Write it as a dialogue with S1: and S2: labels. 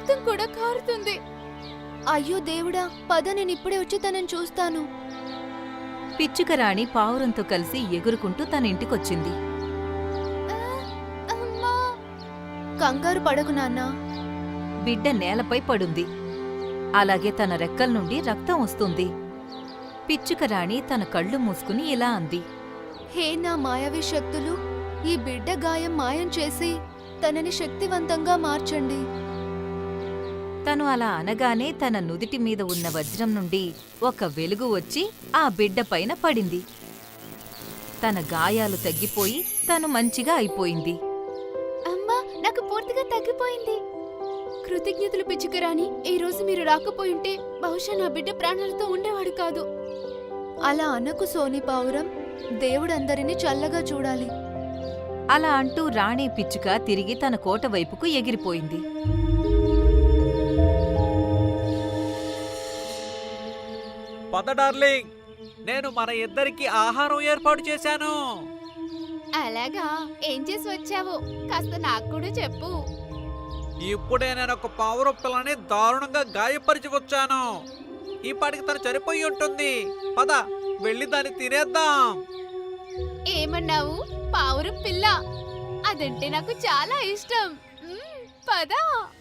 S1: రక్తం కూడా కారుతుంది.
S2: అయ్యో దేవుడా, పద నేనిప్పుడే వచ్చి తనని చూస్తాను.
S3: పిచ్చుకరాణి పావురంతో కలిసి ఎగురుకుంటూ తన ఇంటికొచ్చింది.
S1: అమ్మా!
S2: కంగారు పడకు నాన్నా.
S3: బిడ్డ నేలపై పడుంది. అలాగే తన రెక్కల నుండి రక్తం వస్తుంది. పిచ్చుకరాణి తన కళ్ళు మూసుకుని ఇలా అంది.
S2: హే నా మాయావి శక్తులు, ఈ బిడ్డ గాయం మాయం చేసి తనని శక్తివంతంగా మార్చండి.
S3: తను అలా అనగానే తన నుదిటి మీద ఉన్న వజ్రం నుండి ఒక వెలుగు వచ్చి ఆ బిడ్డ పైన పడింది. తన గాయాలు తగ్గిపోయి తను మంచిగా అయిపోయింది.
S1: అమ్మా, నాకు పూర్తిగా తగ్గిపోయింది. కృతజ్ఞతలు పిచ్చుకరాణి. ఈ రోజు మీరు రాకపోయింటే బహుశా నా బిడ్డ ప్రాణాలతో ఉండేవాడు కాదు.
S2: అలా అనకు సోని పావురం, దేవుడందరినీ చల్లగా చూడాలి.
S3: అలా అంటూ రాణి పిచ్చుక తిరిగి తన కోట వైపుకు ఎగిరిపోయింది.
S4: పద డార్లింగ్, నేను మన ఇద్దరికి ఆహారం ఏర్పాటు చేశాను.
S1: అలాగా? ఏం చేసి వచ్చావో కాస్త నాకు కూడా చెప్పు.
S4: ఇప్పుడే నేను ఒక పావురం పిల్లని దారుణంగా గాయపరిచి వచ్చాను. ఈ పాటికి తను చనిపోయి ఉంటుంది. పద వెళ్ళి దాన్ని తినేద్దాం.
S1: ఏమన్నావు? పావురం పిల్ల? అదంటే నాకు చాలా ఇష్టం. పద.